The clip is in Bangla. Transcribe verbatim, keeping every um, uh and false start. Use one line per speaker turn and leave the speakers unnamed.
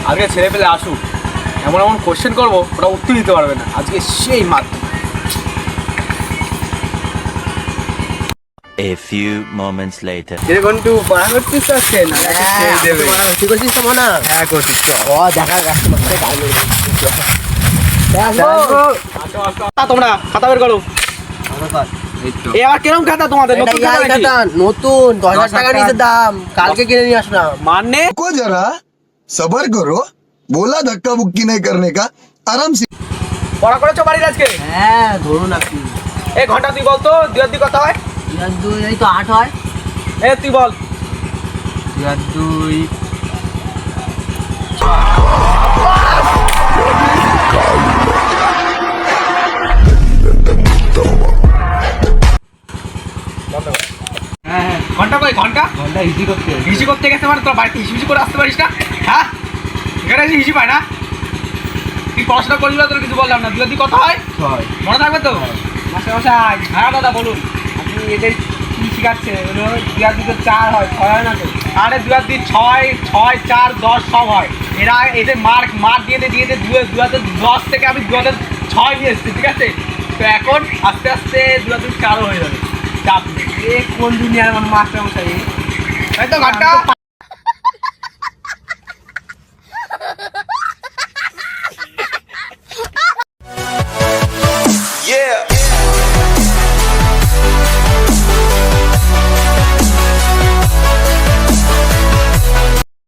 আজকে ছেলে পেলে আসুক, এমন এমন কোশ্চেন করবো ওটা উত্তর দিতে পারবে না। আজকে সেই মাত্র।
A few moments later.
এর ঘন্টু পড়া করছিস তো আজকে? না ছেড়ে দেবে।
তুই করছিস তো মনে হয়?
হ্যাঁ করছিস তো।
ও দেখা কাস্টমারকে গাল মেরে
তোমরা খাতা বের করো। এ আবার কিরম খাতা তোমাদের? নতুন খাতা নাকি?
নতুন দশ হাজার টাকা নিচে দাম, কালকে কিনে নিয়ে আসলাম।
মানে
को जरा सबर करो, बोला धक्का बुक्की नहीं करने का, आराम से।
পড়া করেছো বাড়ির আজকে?
হ্যাঁ ধরুন আপনি।
এই ঘন্টা তুই বলতো দুই আর দুই কত হয়?
দুই আর দুই এই তো আট হয়।
এ তুই বল।
দুই আর দুই
হ্যাঁ হ্যাঁ ঘন্টা কই ঘন্টা?
ঘন্টা ইজি করতে
হিসি করতে গেছে মানে তোর বাড়িতে হিসি করে আসতে পারিস না? হ্যাঁ এখানে এসে হিসি পায় না? তুই পড়াশোনা করবি না, তোর কিছু বললাম না। দুই আর দুই কত হয়?
ছয়।
মনে থাকবে তো? মাস্টার মশাই। হ্যাঁ দাদা বলুন।
আপনি এদের কি শিখাচ্ছে? দুই আর দুই তো চার হয়, ছয় হয় না তো?
আরে দুই আর দুই ছয়, ছয় চার দশ সব হয়। এরা এদের মার্ক মার্ক দিয়ে দিয়ে দিয়ে দুই দু হাজার দশ থেকে আমি দু হাজার ছয় নিয়ে এসেছি, ঠিক আছে? তো এখন আস্তে আস্তে দু হাজার চারও হয়ে যাবে। চাপ নেই।
এ কোন দুনিয়ার মানে মাস্টার মশাই?
তাই তো ঘন্টা